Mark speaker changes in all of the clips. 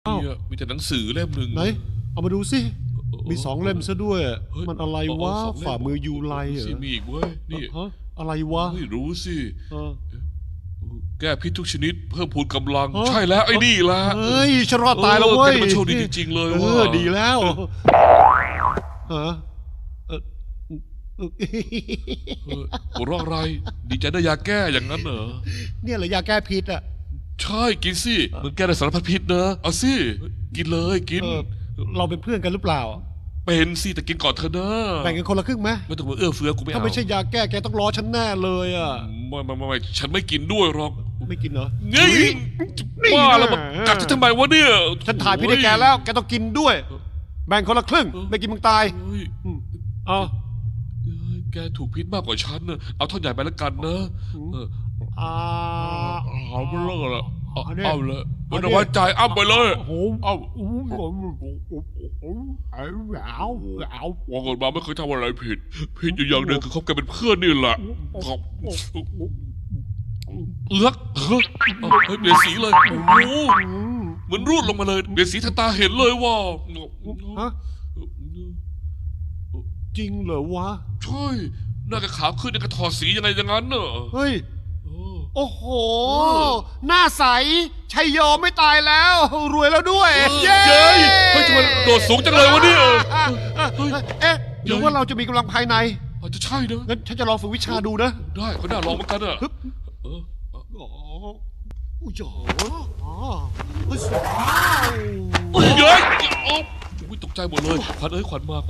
Speaker 1: เนี่ยมีแต่หนังสือเล่มหนึ่ง
Speaker 2: ไหนเอามาดูสิมี2 เล่มซะด้วยมันอะไรวะฝ่ามือยูไลเหรอ
Speaker 1: มีอีกเว้ยนี่
Speaker 2: อะไรวะ
Speaker 1: ไม่รู้สิแก้พิษทุกชนิดเพิ่มพูนกำลังใช่แล้วไอ้นี่ละ
Speaker 2: เฮ้ยฉันรอดตายแล้วเว้ย
Speaker 1: มันโชคดีจริงๆเลยว่ะ
Speaker 2: ดีแล้ว
Speaker 1: หัวเราะอะไรดีใจได้ยาแก้อย่างนั้นเหรอ
Speaker 2: เนี่ยเหรอยาแก้พิษอ่ะ
Speaker 1: ใช่กินสิมันแก้ได้สารพัดพิษนะเอาสิกินเลยกิน
Speaker 2: เราเป็นเพื่อนกันหรือเปล่า
Speaker 1: เป็นสิแต่กินก่อนเถอะนะ
Speaker 2: แบ่งกันคนละครึ่งไหม
Speaker 1: ไม่ต้องมาเอื้อเฟื้อกูไม่เอา
Speaker 2: ถ้าไม่ใช่ยาแก้แกต้องรอฉันแน่เลยอ่ะ
Speaker 1: ไม่ฉันไม่กินด้วยหรอก
Speaker 2: ไม่กินเหรอ
Speaker 1: นี่ว่าแล้วมันกัดฉันทำไมวะเนี่ย
Speaker 2: ฉันถ่ายพี่ได้แกแล้วแกต้องกินด้วยแบ่งคนละครึ่งไม่กินมึงตาย
Speaker 1: แกถูกพิษมากกว่าฉันนะเอาท่อนใหญ่ไปแล้วกันนะเอาไปเลยละเอาเลยมันเอาไว้ใจอ้ำไปเลยเอาว่าก่อนมาไม่เคยทำอะไรผิดอยู่อย่างเดียวคือคบกันเป็นเพื่อนนี่แหละเลือกเปลี่ยนสีเลยโอ้โหเหมือนรูดลงมาเลยเปลี่ยนสีทางตาเห็นเลยว่า
Speaker 2: จริงเหรอวะ
Speaker 1: ใช่หน้ากระขาวขึ้นในกระถอดสียังไงอย่างนั้นเนอะ
Speaker 2: เฮ้ยโอ้โหหน้าใสชัยโยไม่ตายแล้วรวยแล้วด้วย
Speaker 1: เย้เฮ้ยทำไมโดดสูงจังเลยวะเนี่ย
Speaker 2: หรือว่าเราจะมีกำลังภายใน
Speaker 1: อาจจะใช่นะ
Speaker 2: งั้นฉันจะลองฝึกวิชาดูนะ
Speaker 1: ได้ก็น่าลองเหมือนกันอะเย้ยตกใจหมดเลยขวัญขวัญมา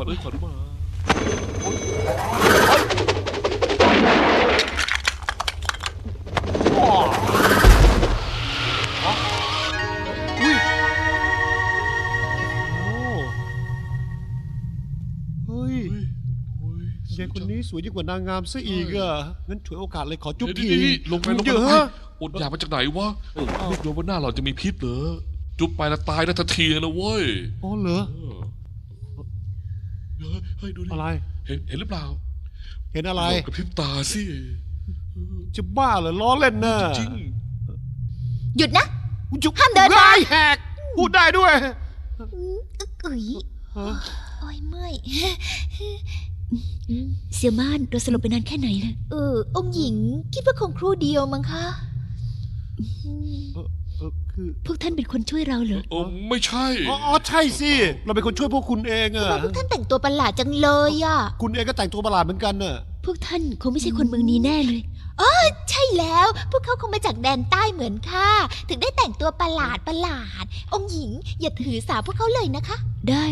Speaker 2: ยายคนนี้สวยยิ่งกว่านางงามซะอีกอ่ะงั้นฉวยโอกาสเลยขอจุ๊บที
Speaker 1: ลงไปเยอะอดอยากมาจากไหนวะไม่รู้ว่าหน้าเราจะมีพิษเหรอจุ๊บไปแล้วตายได้ทันทีนะเว้ย
Speaker 2: อ๋อเหรอ
Speaker 1: เฮ้ยดูดิ
Speaker 2: อะไร
Speaker 1: เห็นหรือเปล่า
Speaker 2: เห็นอะไร
Speaker 1: กระพริบตาสิ
Speaker 2: จะบ้าเหรอล้อเล่นนะ
Speaker 1: จริง
Speaker 3: หยุดนะห้ามเดินไป
Speaker 2: แหกพูดได้ด้วย
Speaker 3: โอ้ยเมื่อย
Speaker 4: เสี่ยวม่านเราสลบไปนานแค่ไหนล่ะ
Speaker 3: องค์หญิงคิดว่าคงครู่เดียวมั้งคะ
Speaker 4: พวกท่านเป็นคนช่วยเราเหรอ
Speaker 1: ไม่ใช่
Speaker 2: ใช่สิเราเป็นคนช่วยพวกคุณเองอะ
Speaker 3: พวกท่านแต่งตัวประหลาดจังเลยอะ
Speaker 2: คุณเองก็แต่งตัวประหลาดเหมือนกันน่ะ
Speaker 4: พวกท่านคงไม่ใช่คนเมืองนี้แน่เลย
Speaker 3: ใช่แล้วพวกเขาคงมาจากแดนใต้เหมือนข้าถึงได้แต่งตัวประหลาดองค์หญิงอย่าถือสาพวกเขาเลยนะคะ
Speaker 4: ได้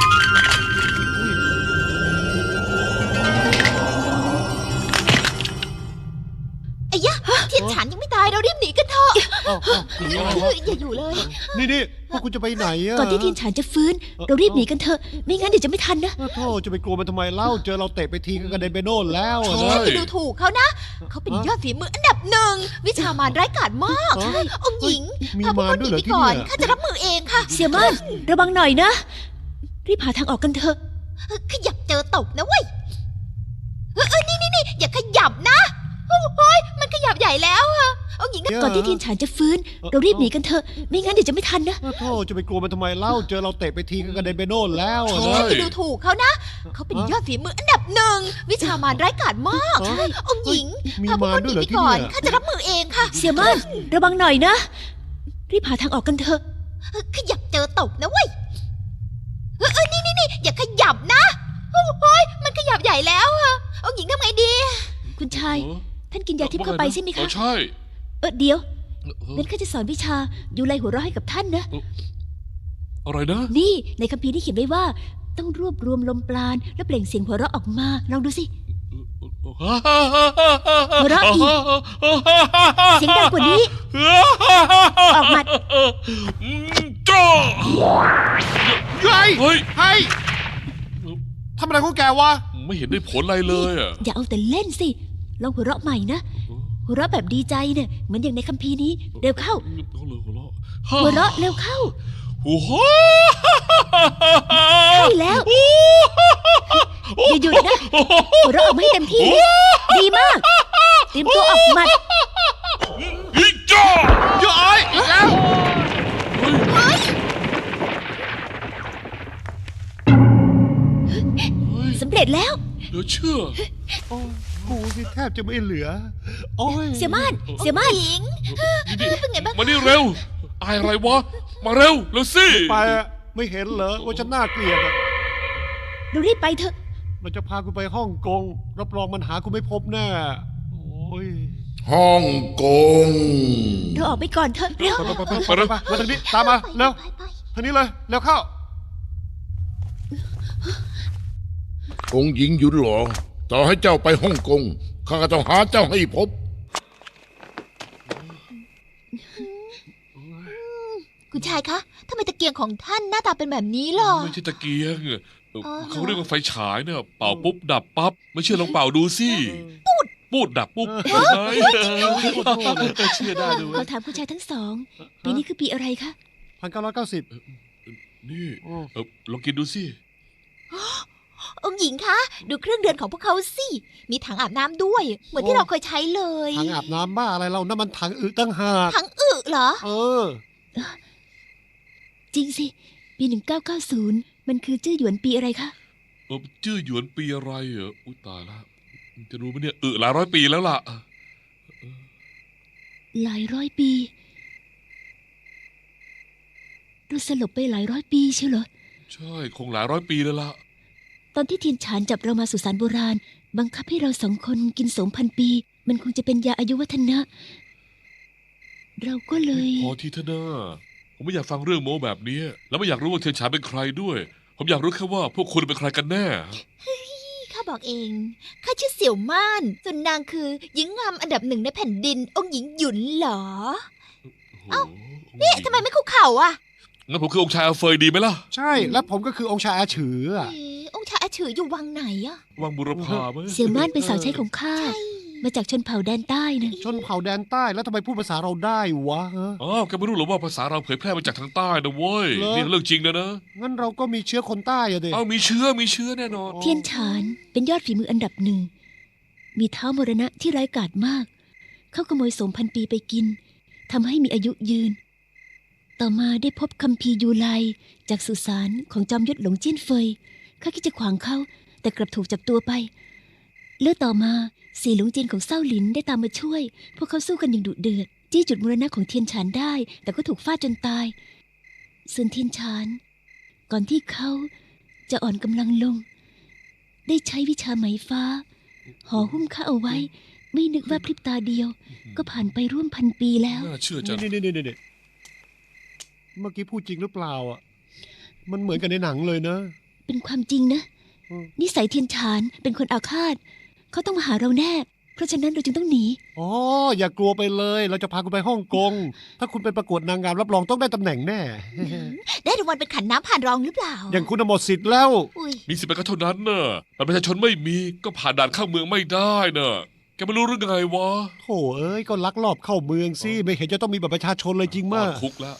Speaker 3: ไอ้ยะเทียนฉันยังไม่ตายเรารีบหนีกันเถอะอย่าอยู่เลย
Speaker 2: นี่พวกคุณจะไปไหนอะ
Speaker 4: ก่อนที่เทียนฉันจะฟื้นเรารีบหนีกันเถอะไม่งั้นเดี๋ยวจะไม่ทันนะ
Speaker 2: โธ่จะไปกลัวมันทำไมเล่าเจอเราเตะไปทีก็กระเด็นไปโน่นแล้ว
Speaker 3: จะดูถูกเขานะเขาเป็นยอดฝีมืออันดับ1วิชามารร้ายกาจมากองค์หญิง
Speaker 2: มีมารด้วยเหรอที่นี่
Speaker 3: ข้าจะรับมือเองค่ะ
Speaker 4: เสี่ยม่านระวังหน่อยนะรีบหาทางออกกันเถอะ
Speaker 3: ขยับเจอตกนะเว้ยนี่อย่าขยับนะโอ้ยมันขยับใหญ่แล้วอะองค์หญิง
Speaker 4: ก่อนที่เทียนฉันจะฟื้นเรารีบหนีกันเถอะไม่งั้นเดี๋ยวจะไม่ทันนะ
Speaker 2: โธ่จะไปกลัวมันทำไมเล่าเจอเราเตะไปทีก็กระเด็นไปโน่นแล้ว
Speaker 3: จะดูถูกเขานะเขาเป็นยอดฝีมืออันดับ1วิชามารร้ายกาจมากองค์หญิง
Speaker 2: มีมารด้วยเหรอที่นี่
Speaker 3: ข้าจะรับมือเองค่ะ
Speaker 4: เสี่ยม่านระวังหน่อยนะรีบหาทางออกกันเถอะ
Speaker 3: ขยับเจอตกนะเว้ยนี่อย่าขยับนะโอ้ยมันขยับใหญ่แล้วอะองค์หญิงทำไงดี
Speaker 4: คุณชายท่านกินยาทิพย์เข้าไปใช่ไหมคะ
Speaker 1: ใช่
Speaker 4: เดี๋ยวงั้นข้าจะสอนวิชายูไลหัวเราะให้กับท่านนะ
Speaker 1: อะไรนะ
Speaker 4: นี่ในคัมภีร์ที่เขียนไว้ว่าต้องรวบรวมลมปราณแล้วเปล่งเสียงหัวเราะออกมาลองดูสิหัวเราะอีกเสียงดังกว่านี้ออกมา
Speaker 1: จ้า
Speaker 2: เฮ้ยทำอะไรของแกวะ
Speaker 1: ไม่เห็นได้ผลอะไรเลยอ่ะ
Speaker 4: อย่าเอาแต่เล่นสิลองหัวเราะใหม่นะหัวเราะแบบดีใจเนี่ยเหมือนอย่างในคัมภีร์นี้เร็วเข้าหัวเราะเร็วเข้าใช่แล้วอย่าหยุดนะหัวเราะออกมาให้เต็มที่ดีมากเตรียมตัวออกหมัด
Speaker 1: จ้า
Speaker 2: อีกแล้ว
Speaker 4: ร็จแล้ว
Speaker 1: เหลือเชื่อ
Speaker 2: โอ้ยกูนี่แทบจะไม่เหลือ โอ้ย
Speaker 4: เสี่ยม่านเสี่ยม่าน
Speaker 3: หญิง
Speaker 1: นี่
Speaker 3: เป็นไงบ้าง
Speaker 1: มานี่เร็วอายอะไรวะ มาเร็วเร็วสิ
Speaker 2: ไปอะไม่เห็นเหรอว่าฉันน่าเกลียดอะ
Speaker 4: เรารีบไปเถอะ
Speaker 2: เราจะพากูไปฮ่องกงรับรองมันหากูไม่พบแน่โอ้ย
Speaker 5: ฮ่องกง
Speaker 4: เราออกไปก่อนเถอะเร็ว
Speaker 2: ไปมาทางนี้ตามมาเร็ว
Speaker 3: ไป
Speaker 2: ทางนี้เลยเร็วเข้า
Speaker 5: องค์หญิงหยุนหลอต่อให้เจ้าไปฮ่องกงข้าก็ต้องหาเจ้าให้พบ
Speaker 3: คุณชายคะทำไมตะเกียงของท่านหน้าตาเป็นแบบนี้ล่ะ
Speaker 1: ไม่ใช่ตะเกียง
Speaker 3: อ๋อ
Speaker 1: เขาเรียกว่าไฟฉายเนี่ยเป่าปุ๊บดับปั๊บไม่เชื่อลองเป่าดูสิปูดดับปุ๊บเชื่อได้ด้วย
Speaker 4: ขอถามคุณชายทั้งสอง ปีนี้คือปีอะไรคะ
Speaker 2: 1990
Speaker 1: นี่
Speaker 2: โอ้
Speaker 1: ลองกินดูสิ
Speaker 3: องค์หญิงคะดูเครื่องเรือนของพวกเขาสิมีถังอาบน้ำด้วย เหมือนที่เราเคยใช้เลย
Speaker 2: ถังอาบน้ำบ้าอะไรเรานั่นมันถังอึตั้งหาก
Speaker 3: ถังอึเหรอ
Speaker 2: เออ
Speaker 4: จริงสิ ปี 1990 มันคือจื้อหยวนปีอะไรคะ
Speaker 1: จื้อหยวนปีอะไรเหรออุ้ยตายแล้วจะรู้ไหมเนี่ยหลายร้อยปีแล้วล่ะ
Speaker 4: หลายร้อยปีเราสลบไปหลายร้อยปีใช่เหรอ
Speaker 1: ใช่คงหลายร้อยปีแล้วล่ะ
Speaker 4: ตอนที่เทียนฉานจับเรามาสุสานโบราณ บังคับให้เราสองคนกิน2,000 ปี มันคงจะเป็นยาอายุวัฒนะ เราก็เลย
Speaker 1: พอทีเถอะนะผมไม่อยากฟังเรื่องโม้แบบนี้ แล้วไม่อยากรู้ว่าเทียนฉายเป็นใครด้วย ผมอยากรู้แค่ว่าพวกคุณเป็นใครกันแน่
Speaker 3: ข้าบอกเอง ข้าชื่อเสี่ยวม่าน ส่วนนางคือหญิงงามอันดับหนึ่งในแผ่นดิน องค์หญิงหยุนเหรอ
Speaker 1: เอ้า
Speaker 3: นี่ทำไมไม่คุกเข่าอ่ะ
Speaker 1: งั้นผมคือองค์ชายอาเฟยดีไหมล่ะ
Speaker 2: ใช่แล้วผมก็คือองค์ชายอาฉืออะ
Speaker 3: เอ๊ะองค์ชายอาฉืออยู่วังไหนอ่ะ
Speaker 1: วังบุรพาไหม
Speaker 4: เสี่ยวม่านเป็นสาวใช้ของข้า มาจากชนเผ่าแดนใต้นะ
Speaker 2: ชนเผ่าแดนใต้แล้วทำไมพูดภาษาเราได้วะฮะ
Speaker 1: อ๋อแกไม่รู้หรอว่าภาษาเราเผยแพร่มาจากทางใต้นะเว้ย
Speaker 2: เหรอ
Speaker 1: นี่เรื่องจริงนะนะ
Speaker 2: งั้นเราก็มีเชื้อคนใต้อะเด็
Speaker 1: เอ้ามีเชื้อแน่นอน
Speaker 4: เทียนฉานเป็นยอดฝีมืออันดับหนึ่ง มีเท้ามรณะที่ร้ายกาจมาก เขาขโมย2,000 ปีไปกิน ทำให้มีอายุยืน ต่อมาได้พบคัมภีร์ยูไลจากสุสานของจอมยุทธหลงเจี้ยนเฟย ข้าคิดจะขวางเขา แต่กลับถูกจับตัวไปเลือต่อมาสี่หลวงจีนของเศร้าหลินได้ตามมาช่วย พวกเขาสู้กันอย่างดุเดือด จี้จุดมรณะของเทียนฉานได้ แต่ก็ถูกฟาดจนตาย ส่วนเทียนฉาน ก่อนที่เขาจะอ่อนกำลังลง ได้ใช้วิชาไหมฟ้า ห่อหุ้มข้าเอาไว้ ไม่นึกว่าพริบตาเดียว ก็ผ่านไปร่วม1,000 ปีแล้ว
Speaker 1: น่าเชื่อจัง
Speaker 2: นี่เมื่อกี้พูดจริงหรือเปล่าอ่ะ มันเหมือนกันในหนังเลยนะ
Speaker 4: เป็นความจริงนะ
Speaker 2: อืม
Speaker 4: นิสัยเทียนฉานเป็นคนอาฆาต เขาต้องมาหาเราแน่ เพราะฉะนั้นเราจึงต้องหนี
Speaker 2: อ๋ออย่ากลัวไปเลย เราจะพาคุณไปฮ่องกง ถ้าคุณไปประกวดนางงามรับรองต้องได้ตำแหน่งแน่
Speaker 3: ได้รางวัลเป็นขันน้ำผ่านรองหรือเปล่า
Speaker 2: อย่างคุณน่ะหมดสิทธิ์แล้ว
Speaker 3: อุ้ย
Speaker 1: มีสิทธิ์ไปก็เท่านั้นน่ะแต่ประชาชนไม่มีก็ผ่านด่านเข้าเมืองไม่ได้น่ะแกไม่รู้เรื่องไงวะ
Speaker 2: โถเอ้ยก็ลักลอบเข้าเมืองสิไม่เห็นจะต้องมีบัตรประชาชนเลยจริงมาก
Speaker 1: คุกแล้ว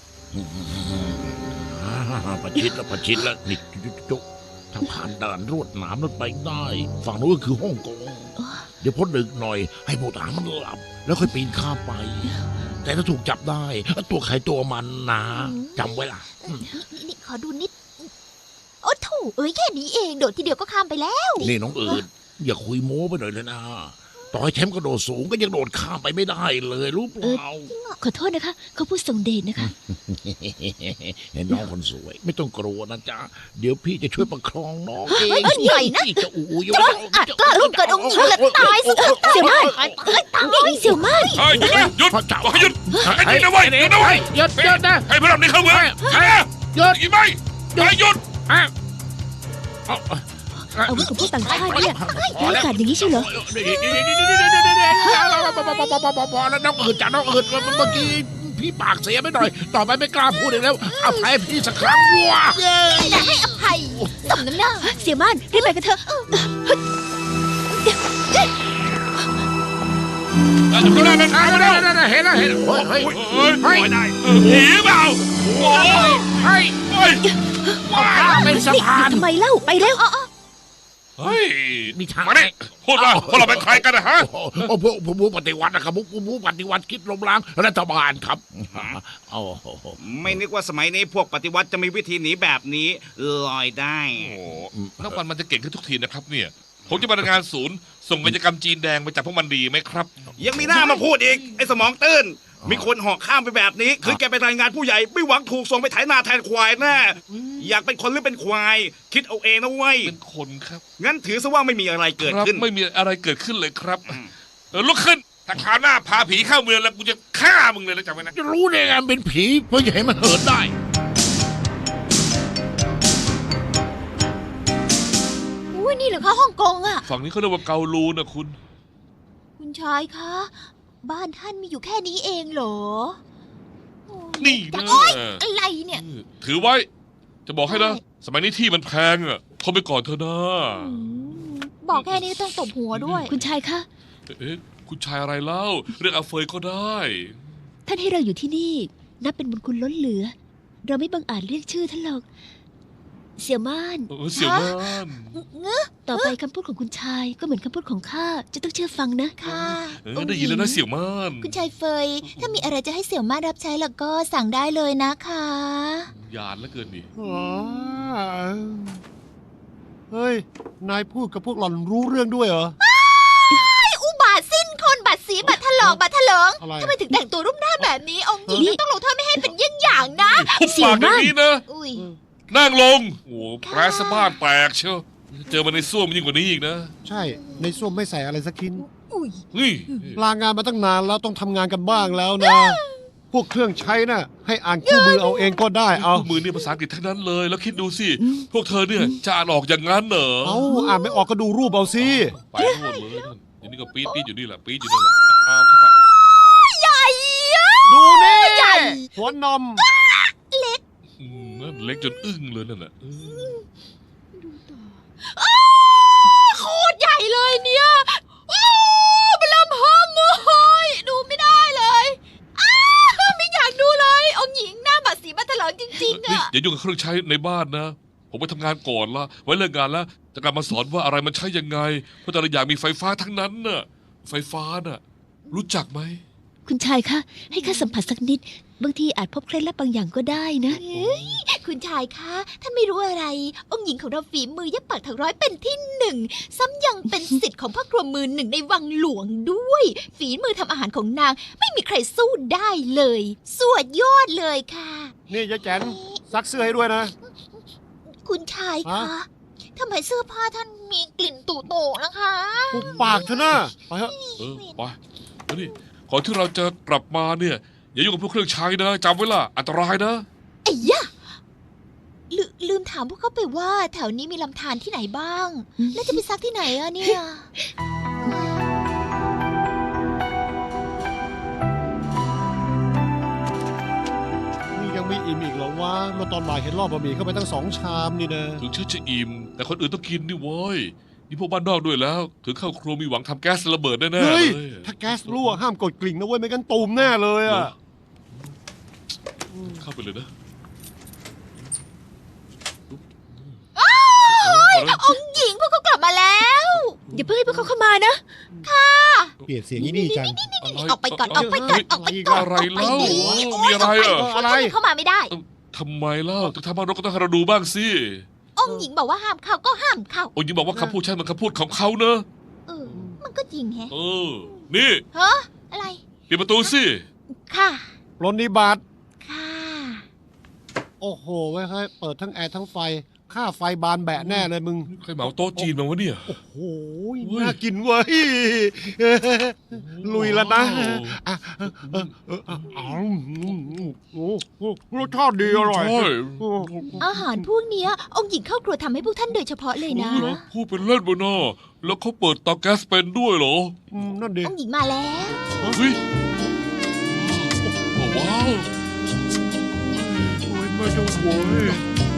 Speaker 5: ประชิดแล้วประชิดแล้วนี่จุ๊ถ้าผ่านด่านรวดหนามนั้นไปได้ ฝั่งนู้นก็คือฮ่องกง เดี๋ยวพ้นดึกหน่อย ให้ผู้ทหารมันหลับ แล้วค่อยปีนข้ามไป แต่ถ้าถูกจับได้ ตัวใครตัวมันนะจำไว้ล่ะ
Speaker 3: นี่ขอดูนิด โอ้โถเอ้ยแค่นี้เองโดดทีเดียวก็ข้ามไปแล้ว
Speaker 5: นี่น้องเอิญอย่าคุยโม้ไปหน่อยเลยนะ ต่อให้แชมป์กระโดดสูงก็ยังโดดข้ามไปไม่ได้เลยรู้เปล่า
Speaker 4: ขอโทษนะคะ เขาพูดส่งเดชนะคะ
Speaker 5: เห็นน้องคนสวย ไม่ต้องกลัวนะจ๊ะ เดี๋ยวพี่จะช่วยประคองน้องเอง
Speaker 3: เฮ้ยหน่อยนะ
Speaker 5: จะอู้ย
Speaker 3: อาจกล้าล่วงเกินองค์หญิงและตายซะ
Speaker 4: เสี่ยวม่าน
Speaker 3: ตายตาย
Speaker 4: เสี่ยวม่าน
Speaker 1: เฮ้ยหยุดนะหยุด
Speaker 5: พระเจ้า
Speaker 1: บอกให้หยุดให้หยุดนะเว้ยหยุดนะเว้ย
Speaker 5: หยุดนะ
Speaker 1: ให้พวกเรานี่เข้าเมือง
Speaker 5: หยุด
Speaker 1: อีกไหมให้หยุด
Speaker 4: อาวุธของพวกต่างชาติเนี่ยร้ายกาจอย่างนี้ใช่เหรอ
Speaker 5: พอแล้วน้องอื่นจ้ะน้องอื่นเมื่อกี้พี่ปากเสียไปหน่อย ต่อไปไม่กล้าพูดอีกแล้วอภัยพี่สักครั้งว่ะ
Speaker 3: จะให้อภัยสมน้ำหน้า
Speaker 4: เสี่ยวม่านรีบไปกันเถอะ
Speaker 1: ดูแลมัน
Speaker 5: เห็นแล้วเฮ้ย
Speaker 1: ผีเปล่าโอ้ย
Speaker 5: เฮ้ย
Speaker 1: เฮ้ย
Speaker 5: ว้าเป็นสะพาน
Speaker 4: ทำไมเล่าไปเร็ว
Speaker 1: เฮ้ย
Speaker 5: มีทาง
Speaker 1: มาดิพูดว่าพวกเราเป็นใครกันนะฮะ
Speaker 5: โอ้พวกผู้ปฏิวัตินะครับผู้ปฏิวัติคิดล้มล้างรัฐบาลครับโอ้โห
Speaker 6: ไม่นึกว่าสมัยนี้พวกปฏิวัติจะมีวิธีหนีแบบนี้ลอยได้
Speaker 1: โอ้นักวันมันจะเก่งขึ้นทุกทีนะครับเนี่ย ผมจะมารายงานศูนย์ ส่งกิจกรรมจีนแดงไปจับพวกมันดีไหมครับ
Speaker 6: ยังมีหน้ามาพูดอีก ไอ้สมองตื้น มีคนเหาะข้ามไปแบบนี้ คือแกไปรายงานผู้ใหญ่ ไม่หวังถูกส่งไปไถนาแทนควายแน่อยากเป็นคนหรือเป็นควาย คิดเอาเองนะเว้ย
Speaker 1: เป็นคนครับ
Speaker 6: งั้นถือซะว่าไม่มีอะไรเกิด
Speaker 1: ครับ
Speaker 6: ขึ้น
Speaker 1: ไม่มีอะไรเกิดขึ้นเลยครับลุกขึ้นถ้าคราวหน้าพาผีเข้าเมืองแล้วกูจะฆ่ามึงเลยนะจำไว้นะ
Speaker 5: จะรู้ได้ไงมันเป็นผีเพราะอย่าให้มันเหินได้
Speaker 3: อุ้ยนี่เหรอคะฮ่องกงอะ
Speaker 1: ฝั่งนี้เขาเรียกว่าเกาลูนะคุณ
Speaker 3: คุณชายคะ บ้านท่านมีอยู่แค่นี้เองเหรอโอ้ย
Speaker 1: นี่นะ
Speaker 3: โอ๊ยอะไรเนี่ย
Speaker 1: ถือไว้ จะบอกให้นะ สมัยนี้ที่มันแพงอ่ะทนไปก่อนเถอะนะ
Speaker 3: อืมบอกแค่นี้ต้องตบหัวด้วย
Speaker 4: คุณชายคะ
Speaker 1: เอ๊ะคุณชายอะไรเล่า เรื่องอาเฟยก็ได้
Speaker 4: ท่านให้เราอยู่ที่นี่ นับเป็นบุญคุณล้นเหลือ เราไม่บังอาจเรียกชื่อท่านหรอก เสี่ยวม่าน
Speaker 1: เสี่ยวม่าน
Speaker 4: ต่อไปคำพูดของคุณชายก็เหมือนคำพูดของข้าจะต้องเชื่อฟังนะ
Speaker 3: ค่ะ
Speaker 1: ได้ยินแล้วนะเสี่ยวม่าน
Speaker 3: คุณชายเฟย ถ้ามีอะไรจะให้เสี่ยวมารับใช้แล้วก็สั่งได้เลยนะคะ
Speaker 1: หยาดแล้วเกินนี่
Speaker 2: อ๋อเฮ้ย นายพูดกับพวกหล่อนรู้เรื่องด้วยเหรอ
Speaker 3: อุบาทสิ้นคนบาดสีบาดถลอกบาดถลิง
Speaker 2: อะไร
Speaker 3: ทำไมถึงแต่งตัวรูปหน้าแบบนี้ องค์หญิงต้องลงโทษไม่ให้เป็นเยี่ยงอย่างนะ
Speaker 1: ทุบปากอย่างนี้นะ
Speaker 3: อุ้ย
Speaker 1: นั่งลง โอ้แปรสะบ้านแตกเชียวเจอมาในส้วมยิ่งกว่านี้อีกนะ
Speaker 2: ใช่ ในส้วมไม่ใส่อะไรสักชิ้น
Speaker 3: อุ้ย
Speaker 1: นี่
Speaker 2: ลางานมาตั้งนานแล้วต้องทำงานกันบ้างแล้วนะ พวกเครื่องใช้น่ะ ให้อ่านคู่มือเอาเองก็ได้เอา
Speaker 1: มือนี่ภาษาอังกฤษทั้งนั้นเลย แล้วคิดดูสิ พวกเธอเนี่ยจะอ่านออกอย่างนั้นเหรอ
Speaker 2: เอาอ่านไม่ออกก็ดูรูปเอาสิ
Speaker 1: ไปโน่นเลยนั่นอย่างนี้ก็ปี๊ดปี๊ดอยู่นี่แหละปี๊ดอยู่นั่นแหละเอาเข้าไป
Speaker 3: ใหญ่อะ
Speaker 2: ดูนี่
Speaker 3: ใหญ่
Speaker 2: หัวนม
Speaker 1: นั่นเล็กจนอึ้งเลยนั่นแหละ
Speaker 3: โคตรใหญ่เลยเนี่ยโอ้มันเริ่มเฮิมเลยดูไม่ได้เลยอ้าไม่อยากดูเลย องค์หญิงหน้าบาดสีบาดถลิงจริงๆ
Speaker 1: นี่
Speaker 3: อะ
Speaker 1: อย่ายุ่งกับเครื่องใช้ในบ้านนะ ผมไปทำงานก่อนละไว้เลิกงานแล้วจะกลับมาสอนว่าอะไรมันใช้ยังไง เพราะแต่ละอย่างมีไฟฟ้าทั้งนั้นน่ะ ไฟฟ้าน่ะ รู้จักไหม
Speaker 4: คุณชายคะ ให้ข้าสัมผัสสักนิด บางทีอาจพบเคล็ดลับบางอย่างก็ได้นะ
Speaker 3: เฮ้ยคุณชายคะท่านไม่รู้อะไร องค์หญิงของเราฝีมือเย็บปักถักร้อยเป็นที่หนึ่ง ซ้ำยังเป็นสิทธิ์ของพ่อครัวมือหนึ่งในวังหลวงด้วย ฝีมือทำอาหารของนางไม่มีใครสู้ได้เลยสวดยอดเลยค่ะ
Speaker 2: นี่ยายแจนซักเสื้อให้ด้วยนะ
Speaker 3: คุณชายคะ
Speaker 2: ฮะ
Speaker 3: ทำไมเสื้อผ้าท่านมีกลิ่นตู่โตนะคะ
Speaker 2: ปุบปากเถอะนะไปเถอะ
Speaker 1: ไปแล้วนี่ก่อนที่เราจะกลับมาเนี่ย อย่ายุ่งกับพวกเครื่องใช้นะจำไว้ล่ะ อันตรายนะ
Speaker 3: ไอ้ยะลืมถามพวกเขาไปว่า แถวนี้มีลำธารที่ไหนบ้าง แล้วจะไปซักที่ไหนอะเนี่ย
Speaker 2: นี่ยังไม่อิ่มอีกเหรอวะเมื่อตอนบ่ายเห็นรอบบะหมี่เข้าไปตั้ง2 ชามนี่นะ
Speaker 1: ถึงฉันจะอิ่มแต่คนอื่นต้องกินนี่เว้ยนี่พวกบ้านนอกด้วยแล้ว ถึงเข้าครัวมีหวังทำแก๊สระเบิดแน่ๆเล
Speaker 2: เฮ้ย
Speaker 1: ย
Speaker 2: ถ้าแก๊สรั่วห้ามกดกลิ่งนะเว้ยไม่งั้นตูมแน่เลยอ่ะ
Speaker 1: เข้าไปเลยนะ
Speaker 3: องค์หญิงพวกเขากลับมาแล้ว
Speaker 4: อย่าเพิ่งให้พวกเขาเข้ามานะ
Speaker 2: เปลี่ยนเสียงนี่จัง
Speaker 3: ออกไปก่อนออกไปก่อนออกไปก่อน
Speaker 1: อะไรเล่า
Speaker 3: ออกไป
Speaker 1: มีอะไรอ่ะ
Speaker 2: อะไร
Speaker 3: เข้ามาไม่ได้
Speaker 1: ทำไมเล่าถึงทำบ้านรกก็ต้องให้เราดูบ้างสิ
Speaker 3: องค์หญิงบอกว่าห้ามเข้าก็ห้ามเข้า
Speaker 1: โอ้ยงบอกว่าคำพูดใช่มันคำพูดของเขาเนอะ
Speaker 3: เออ มันก็จริงแฮะ
Speaker 1: เออ นี่
Speaker 3: ฮะอะไร
Speaker 1: ปิดประตูสิ
Speaker 3: ค่ะ
Speaker 2: รนนิบัต
Speaker 3: ค่ะ
Speaker 2: โอ้โหไว้ยเฮ้ยเปิดทั้งแอร์ทั้งไฟ ค่าไฟบานแบะแน่เลยมึง
Speaker 1: ใครเหมาโต๊ะจีนมาวะเนี่ย
Speaker 2: โอ้โห
Speaker 1: เฮ้ย
Speaker 2: น่ากินเว้ย ลุยแล้วนะอ่ะโอ้โหรสชาติดีอร่อย
Speaker 1: ใช่
Speaker 3: อาหารพวกเนี้ยองค์หญิงเข้าครัวทำให้พวกท่านโดยเฉพาะเลยนะ
Speaker 1: เหรอพูดเป็นเล่นบนหน้าแล้วเขาเปิดเตาแก๊สเป็นด้วยเหรอ
Speaker 2: นั่นดิ
Speaker 3: องค์หญิงมาแล้ว
Speaker 1: เฮ้ยว้าว
Speaker 2: โอ้ยไม่ต้องโวย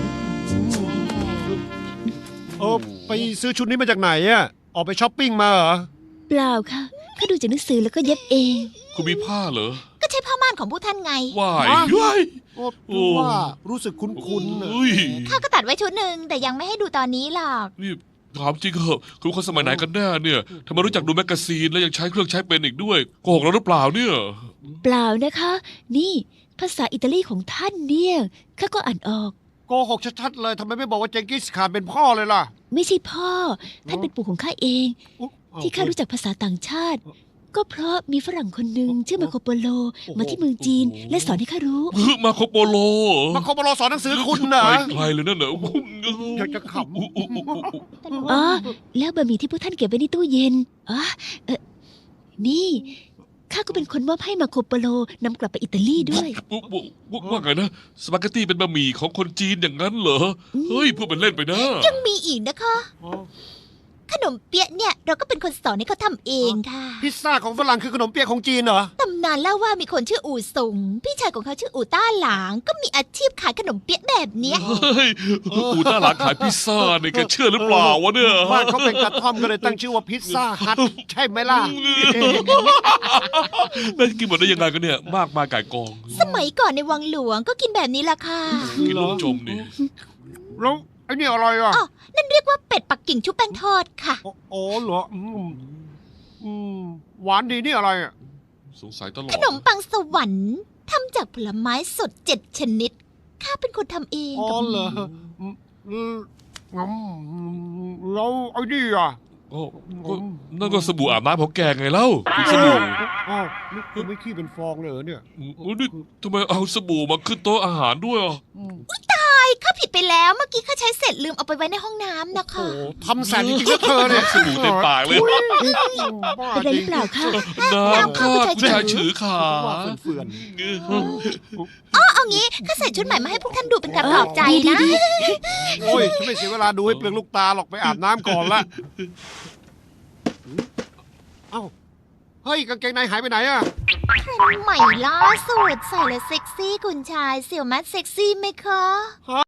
Speaker 2: ไปซื้อชุดนี้มาจากไหนอ่ะ ออกไปช้อปปิ้งมาเหรอ
Speaker 4: เปล่าค่ะข้าดูจากหนังสือแล้วก็เย็บเอง
Speaker 1: คุณมีผ้าเหรอ
Speaker 3: ก็ใช่ผ้าม่านของพวกท่านไง
Speaker 1: ว่าย
Speaker 2: ฮะ
Speaker 1: ย้ย
Speaker 2: โอ้ว่ารู้สึกคุ้นๆน่ะ
Speaker 1: เฮ้ย
Speaker 3: ข้าก็ตัดไว้ชุดหนึ่งแต่ยังไม่ให้ดูตอนนี้หรอก
Speaker 1: นี่เธถามจริงเหอะคุณคนสมัยไหนกันแน่เนี่ยทำไมรู้จักดูแมกกาซีนแล้วยังใช้เครื่องใช้เป็นอีกด้วยโกหกเราหรือเปล่าเนี่ย
Speaker 4: เปล่านะคะ นี่ภาษาอิตาลีของท่านเนี่ยข้าก็อ่านออก
Speaker 2: โกหกชัดๆเลยทำไมไม่บอกว่าเจงกิสข่านเป็นพ่อเลยล่ะ
Speaker 4: ไม่ใช่พ่อ ท่านเป็นปู่ของข้าเอง
Speaker 2: อุ๊ย
Speaker 4: ที่ข้ารู้จักภาษาต่างชาติ ก็เพราะมีฝรั่งคนหนึ่งชื่อมาโคโปโล มาที่เมืองจีน และสอนให้ข้ารู้
Speaker 1: มาโคโปโล
Speaker 2: มาโคโมโรสอนหนังสือคุณนะ
Speaker 1: ไกลเลยนั่นเหรอ
Speaker 2: อยากจะข
Speaker 4: อ๋อ แล้วบะหมี่ที่พวกท่านเก็บไว้ในตู้เย็น อ๋อ นี่ข้าก็เป็นคนมอบให้มาโคโปโลนำกลับไปอิตาลีด้วย
Speaker 1: ว่าไงนะสปาเกตตี้เป็นบะหมี่ของคนจีนอย่างนั้นเหรอเฮ้ยพูดเป็นเล่นไปนะ
Speaker 3: ยังมีอีกนะคะ
Speaker 2: ำ
Speaker 3: ขนมเปี๊ยะเนี่ยเราก็เป็นคนสอนให้เขาทำเองค่ะ
Speaker 2: พิซซ่าของฝรั่งคือขนมเปี๊ยะของจีนเหรอ
Speaker 3: ตำนานเล่าว่ามีคนชื่ออู่สงพี่ชายของเขาชื่ออู่ต้าหลาง ก็มีอาชีพขายขนมเปี๊ยะแบบเนี้ย
Speaker 1: เฮ้ยอูต้าหลานขายพิซซ่าเนี่ยแกเชื่อหรือเปล่าวะเนี่ย
Speaker 2: บ้านเขาเป็นกระท่อมก็เลยตั้งชื่อว่าพิซซ่าฮัทใช่ไหมล่ะ
Speaker 1: นั่นกินหมดได้ยังไงกันเนี่ย มากมายไก่กอง
Speaker 3: สมัยก่อนในวังหลวงก็กินแบบนี้ละค่ะ
Speaker 1: กินลูกจมนี่
Speaker 2: แล้วไอ้นี่อะไรอ่ะ
Speaker 3: อ๋อ นั่นเรียกว่าเป็ดปักกิ่งชุบแป้งทอดค่ะ
Speaker 2: โอ้เหรอหวานดีนี่อะไรอ่ะ
Speaker 1: สงสัยตลอด
Speaker 3: ขนมปังสวรรค์ทำจากผลไม้สด7 ชนิด ข้าเป็นคนทำเอง
Speaker 2: อ๋อ
Speaker 3: กับ
Speaker 2: เหร
Speaker 3: มื
Speaker 2: อ
Speaker 3: อ
Speaker 2: แล้วไอ้นี่อ่ะ
Speaker 1: ก็นั่นก็สบู่อาบน้ำของแกไงเล่าสบู่
Speaker 2: อ้าวนี่คุณไม่ขี้เป็นฟองเลยเหรอเนี่ย
Speaker 1: นี่ทำไมเอาสบู่มาขึ้นโต๊ะอาหารด้วยอ่ะ
Speaker 3: ข้าผิดไปแล้วเมื่อกี้ข้าใช้เสร็จลืมเอาไปไว้ในห้องน้ำนะคะ
Speaker 2: โอ้ทำแสนจริงๆนะเธอเนี่ย
Speaker 1: สบู่เต็มปากเลย
Speaker 2: บ้า
Speaker 4: เป็นไร
Speaker 2: จ
Speaker 4: ห
Speaker 2: ริ
Speaker 4: รือง เปล่าคะ
Speaker 1: น้ำข้าผู้ชายฉือขา
Speaker 2: ว่าเฟื่อน
Speaker 3: เอางี้ข้าใส่ชุดใหม่มาให้พวกท่านดูเป็นการปลอบใจนะ
Speaker 2: ๆโอ้ยฉันไม่เสียเวลาดูให้เปลืองลูกตาหรอกไปอาบน้ำก่อนละเอ้าเฮ้ยกางเกงในหายไปไหนอ่ะ
Speaker 3: ใหม่ล่าสุดใส่แล้วเซ็กซี่คุณชายเสี่ยวมัดเซ็กซี่ไหมคะ